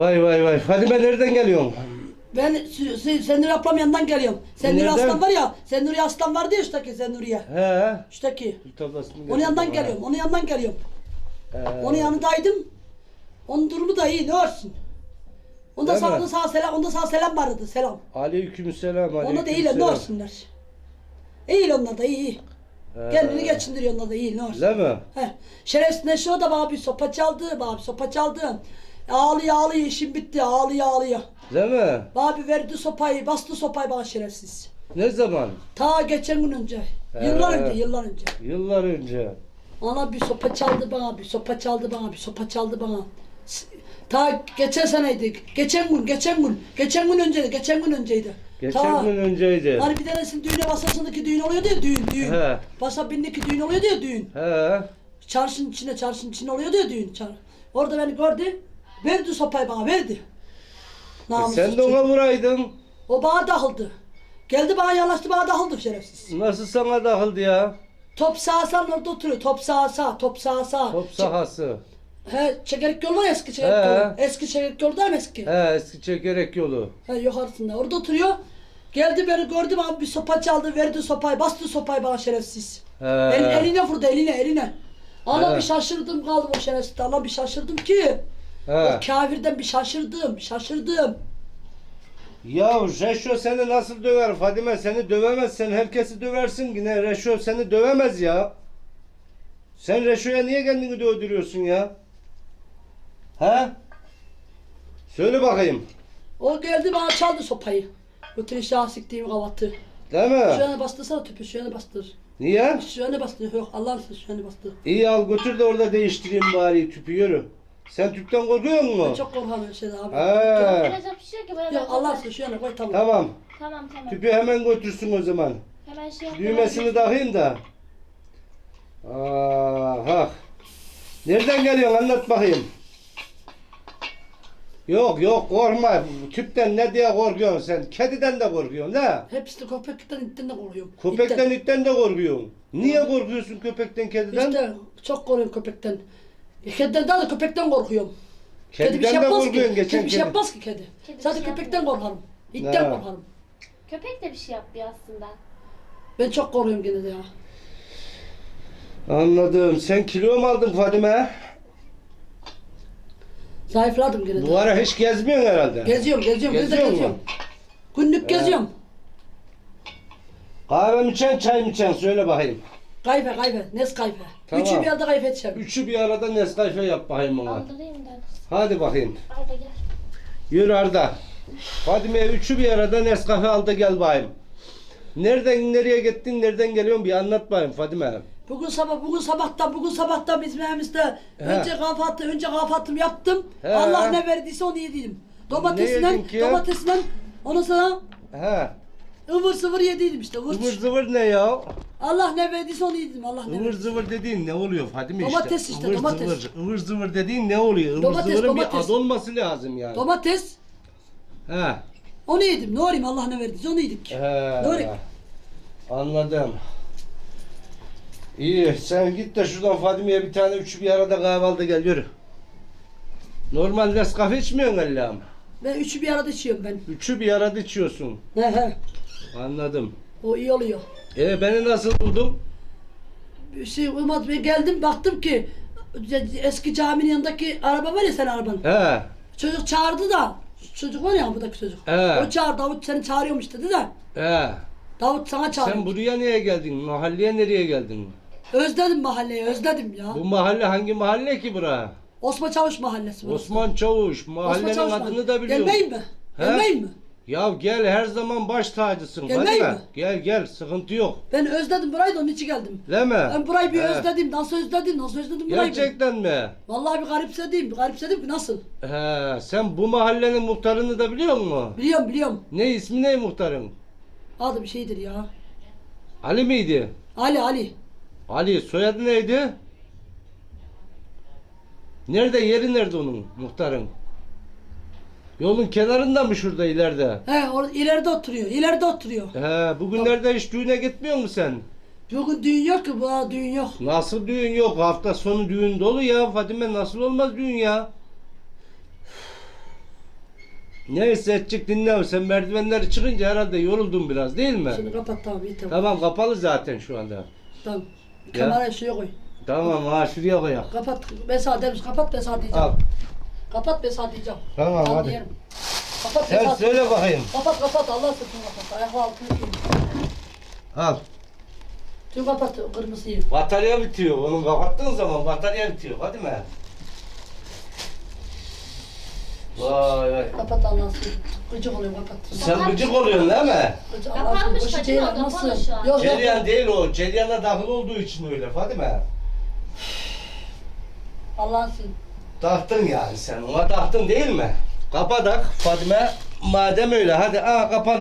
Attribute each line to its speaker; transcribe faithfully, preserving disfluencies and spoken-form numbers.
Speaker 1: Vay vay vay. Fadime nereden geliyorsun?
Speaker 2: Ben Senuri ablam yanından geliyorum. Senuri
Speaker 1: Nereden?
Speaker 2: Aslan var ya, Senuri Aslan vardı ya şuradaki Senuri'ye.
Speaker 1: He.
Speaker 2: Şuradaki.
Speaker 1: Bir tablasını
Speaker 2: Onun
Speaker 1: getir
Speaker 2: yanından
Speaker 1: bana.
Speaker 2: geliyorum, onun yanından geliyorum.
Speaker 1: He.
Speaker 2: Onun yanındaydım. Onun durumu da iyi, ne olsun. Onda
Speaker 1: Değil
Speaker 2: sağ,
Speaker 1: mi?
Speaker 2: onda sağ selam, onda sağ selam vardı, selam.
Speaker 1: Aleykümselam.
Speaker 2: Onda da iyiler, ne olsunlar. İyi onlar da iyi, iyi. Kendini geçindiriyor onlar da iyi, ne olsun.
Speaker 1: Değil mi?
Speaker 2: He. Şerefsiz Neşe o da bana bir sopa çaldı, bana bir sopa çaldı. Ağlıyor ağlıyor, işim bitti, ağlıyor ağlıyor.
Speaker 1: Değil mi?
Speaker 2: Bana bir verdi sopayı, bastı sopayı bana şerefsiz.
Speaker 1: Ne zaman?
Speaker 2: Ta geçen gün önce,
Speaker 1: He.
Speaker 2: yıllar önce, yıllar önce.
Speaker 1: Yıllar önce.
Speaker 2: Ana bir sopa çaldı bana, bir sopa çaldı bana, bir sopa çaldı bana. S- Ta geçen seneydi, geçen gün, geçen gün, geçen gün önceydi, geçen gün önceydi.
Speaker 1: Geçen
Speaker 2: Ta,
Speaker 1: gün önceydi.
Speaker 2: Hani bir tanesinin düğüne basasındaki düğün oluyordu ya, düğün, düğün.
Speaker 1: He.
Speaker 2: Basabindeki düğün oluyordu ya, düğün.
Speaker 1: He.
Speaker 2: Çarşının içinde, çarşının içinde oluyordu ya düğün. Çar. Orada beni gördü, verdi sopayı bana, verdi.
Speaker 1: E
Speaker 2: Namussuz
Speaker 1: sen de
Speaker 2: çocuk.
Speaker 1: ona vuraydın.
Speaker 2: O bana dağıldı. Geldi bana yanaştı, bana dağıldı şerefsiz.
Speaker 1: Nasıl sana dağıldı ya?
Speaker 2: Top sağa sağ orada oturuyor. Top sağa sağ, top sağa sağ.
Speaker 1: Top sahası.
Speaker 2: He, çekerek yol var ya, eski çekerek
Speaker 1: He.
Speaker 2: yolu. Eski çekerek yol değil mi eski?
Speaker 1: He, eski çekerek yolu.
Speaker 2: He, yukarısında. Orada oturuyor. Geldi beni gördü, bana bir sopa çaldı, verdi sopayı, bastı sopayı bana şerefsiz.
Speaker 1: He.
Speaker 2: El, eline vurdu, eline, eline. Ana
Speaker 1: He.
Speaker 2: bir şaşırdım kaldım o şerefsiz. Allah bir şaşırdım ki.
Speaker 1: He.
Speaker 2: O kafirden bir şaşırdım, şaşırdım.
Speaker 1: Ya Reşo seni nasıl döver Fadime? Seni dövemez. Sen herkesi döversin yine. Reşo seni dövemez ya. Sen Reşo'ya niye kendini dövdürüyorsun ya? He? Söyle bakayım.
Speaker 2: O geldi bana çaldı sopayı. Bütün işe siktiğim kavatı.
Speaker 1: Değil
Speaker 2: Şu
Speaker 1: mi?
Speaker 2: yana bastırsana tüpü, şu yana bastır.
Speaker 1: Niye?
Speaker 2: Şu yana bastır. Yok Allah'ın sözü şu yana bastır.
Speaker 1: İyi al götür de orada değiştireyim bari tüpü yürü. Sen tüpten korkuyor
Speaker 2: Ben
Speaker 1: musun?
Speaker 2: çok korkarım öyle şeyden abi.
Speaker 1: He.
Speaker 3: Biraz yapışıyor ki böyle.
Speaker 2: Yok Allah sözü şu yana koy, tamam.
Speaker 1: Tamam.
Speaker 3: Tamam tamam.
Speaker 1: Tüpü hemen götürsün o zaman.
Speaker 3: Hemen şey yap.
Speaker 1: Düğmesini takayım da. Aha. Nereden geliyorsun anlat bakayım. Yok yok korkma. Tüpten ne diye korkuyorsun sen? Kediden de korkuyorsun la.
Speaker 2: Hepsi de köpekten, itten de korkuyorum.
Speaker 1: Köpekten
Speaker 2: İtten.
Speaker 1: itten de korkuyorsun. Niye korkuyorsun köpekten kediden?
Speaker 2: İşte çok korkuyorum köpekten. E, Kediden daha da köpekten korkuyorum. Kedi bir
Speaker 1: Kediden
Speaker 2: şey
Speaker 1: de
Speaker 2: yapmaz ki.
Speaker 1: korkuyorsun geçen
Speaker 2: Kedi bir şey
Speaker 1: kedi.
Speaker 2: yapmaz ki kedi.
Speaker 3: Kedi bir
Speaker 2: Sadece
Speaker 3: şey
Speaker 2: köpekten
Speaker 3: yapmıyor.
Speaker 2: korkarım. İtten
Speaker 1: Ha.
Speaker 2: korkarım.
Speaker 3: Köpek de bir şey yapıyor aslında.
Speaker 2: Ben çok korkuyorum gene de ya.
Speaker 1: Anladım. Sen kilo mu aldın Fadime?
Speaker 2: Zayıfladım gene de.
Speaker 1: Bu ara hiç gezmiyorsun herhalde.
Speaker 2: Geziyorum, geziyorum, gene de
Speaker 1: Geziyor mu?
Speaker 2: geziyorum. Günlük geziyorum.
Speaker 1: Kahve mi içeceksin, çay mı içeceksin? Söyle bakayım.
Speaker 2: Kayfe, kayfe, nes kayfe.
Speaker 1: Tamam.
Speaker 2: Üçü bir yerde kayfe edeceğim.
Speaker 1: Üçü bir arada Nescafe yap bakayım ona.
Speaker 3: Aldırayım da.
Speaker 1: Hadi bakayım.
Speaker 3: Arda gel.
Speaker 1: Yürü Arda. Fadime'ye üçü bir arada Nescafe al da gel bakayım. Nereden nereye gittin, nereden geliyorsun bir anlat bakayım Fadime.
Speaker 2: Bugün sabah, bugün sabahtan, bugün sabahtan bizim evimizde
Speaker 1: He.
Speaker 2: önce kahvaltı, önce kahvaltımı yaptım.
Speaker 1: He.
Speaker 2: Allah ne verdiyse onu yedim.
Speaker 1: Ne
Speaker 2: Domatesinden,
Speaker 1: yedin ki?
Speaker 2: domatesinden, ondan sonra
Speaker 1: He.
Speaker 2: ıvır zıvır yediydim işte. Ivır,
Speaker 1: Zıvır zıvır ne ya?
Speaker 2: Allah ne verdiyse onu yedim. Allah ne
Speaker 1: Ivır
Speaker 2: verdiyse.
Speaker 1: zıvır dediğin ne oluyor Fadime işte?
Speaker 2: Domates işte,
Speaker 1: Ivır
Speaker 2: domates.
Speaker 1: Zıvır, ıvır zıvır dediğin ne oluyor? Ivır
Speaker 2: Domates,
Speaker 1: zıvırın bir
Speaker 2: domates.
Speaker 1: ad olması lazım yani.
Speaker 2: Domates,
Speaker 1: He.
Speaker 2: onu yedim. Ne olayım Allah ne verdiyse onu yedik.
Speaker 1: He.
Speaker 2: Doğru.
Speaker 1: Anladım. İyi sen git de şuradan Fadime'ye bir tane üçü bir arada kahvaltı gel yürü. Normal Nescafe içmiyorsun Allah'ım.
Speaker 2: Ben üçü bir arada içiyorum ben.
Speaker 1: Üçü bir arada içiyorsun.
Speaker 2: He he.
Speaker 1: Anladım.
Speaker 2: O iyi oluyor.
Speaker 1: E beni nasıl buldun?
Speaker 2: Bir şey olmadı. Ben geldim baktım ki eski caminin yanındaki araba var ya, senin araban.
Speaker 1: He.
Speaker 2: Çocuk çağırdı da. Çocuk var ya, buradaki çocuk.
Speaker 1: He.
Speaker 2: O çağırdı. Davut seni çağırıyormuş dedi de.
Speaker 1: He.
Speaker 2: Davut sana çağırıyor.
Speaker 1: Sen buraya niye geldin? Mahalleye nereye geldin?
Speaker 2: Özledim mahalleyi, özledim ya.
Speaker 1: Bu mahalle hangi mahalle ki bura?
Speaker 2: Osman Çavuş mahallesi burası.
Speaker 1: Osman Çavuş. Mahallenin
Speaker 2: Çavuş
Speaker 1: adını
Speaker 2: mahallesi.
Speaker 1: da biliyorum.
Speaker 2: Gelmeyin mi?
Speaker 1: He?
Speaker 2: Gelmeyin mi?
Speaker 1: Ya gel her zaman baş tacısın.
Speaker 2: Gelmeyin
Speaker 1: Hadi
Speaker 2: mi?
Speaker 1: be. Gel gel sıkıntı yok.
Speaker 2: Ben özledim burayı da onun için geldim.
Speaker 1: Değil mi?
Speaker 2: Ben burayı bir
Speaker 1: He.
Speaker 2: özledim. Nasıl özledim? Nasıl özledim burayı? ben?
Speaker 1: Gerçekten mi?
Speaker 2: Vallahi bir garipsedim. Bir garipsedim ki nasıl?
Speaker 1: He, sen bu mahallenin muhtarını da biliyor musun?
Speaker 2: Biliyorum biliyorum.
Speaker 1: Ne ismi ne muhtarın?
Speaker 2: Adı bir şeydir ya.
Speaker 1: Ali miydi?
Speaker 2: Ali Ali.
Speaker 1: Ali soyadı neydi? Nerede yeri nerede onun muhtarın? Yolun kenarında mı şurada ileride?
Speaker 2: He orada ileride oturuyor. İleride oturuyor.
Speaker 1: He, bugünlerde hiç düğüne gitmiyor musun sen?
Speaker 2: Bugün düğün yok ki. Bu düğün yok.
Speaker 1: Nasıl düğün yok? Hafta sonu düğün dolu ya. Fadime nasıl olmaz düğün ya? Neyse edecek dinle. Sen merdivenleri çıkınca herhalde yoruldun biraz değil mi?
Speaker 2: Şimdi kapat tamam iyi tamam.
Speaker 1: Tamam kapalı zaten şu anda.
Speaker 2: Tamam.
Speaker 1: Ya.
Speaker 2: Kamerayı şuraya koy.
Speaker 1: Tamam ha şuraya koyak.
Speaker 2: Kapat. Ben sana demiş kapat ben sana diyeceğim.
Speaker 1: Al.
Speaker 2: Kapat ben sana diyeceğim.
Speaker 1: Tamam, hadi.
Speaker 2: diyelim. Kapat ben
Speaker 1: Sen
Speaker 2: sana
Speaker 1: söyle bakayım.
Speaker 2: Kapat kapat Allah sırtını kapat. Ayakla altını giyin.
Speaker 1: Al.
Speaker 2: Tüm kapat kırmızıyı.
Speaker 1: Batarya bitiyor. Onu kapattığın zaman batarya bitiyor. Hadi mi? Vay vay.
Speaker 2: Kapat Allah sırtını. Gıcık oluyor kapat.
Speaker 1: Sen gıcık oluyorsun değil mi?
Speaker 2: Gıcık
Speaker 3: Kapanmış
Speaker 2: Allah sırtını.
Speaker 3: Fatma,
Speaker 2: Ceylan
Speaker 3: kapalı
Speaker 2: nasıl?
Speaker 3: şu an.
Speaker 2: Yok yok.
Speaker 1: Ceryan değil o. Ceryana dahil olduğu için öyle Fadime.
Speaker 2: Allah'ın sırtını.
Speaker 1: Taktın yani sen. Ona taktın değil mi? Kapadak Fadime. Madem öyle hadi aa kapan.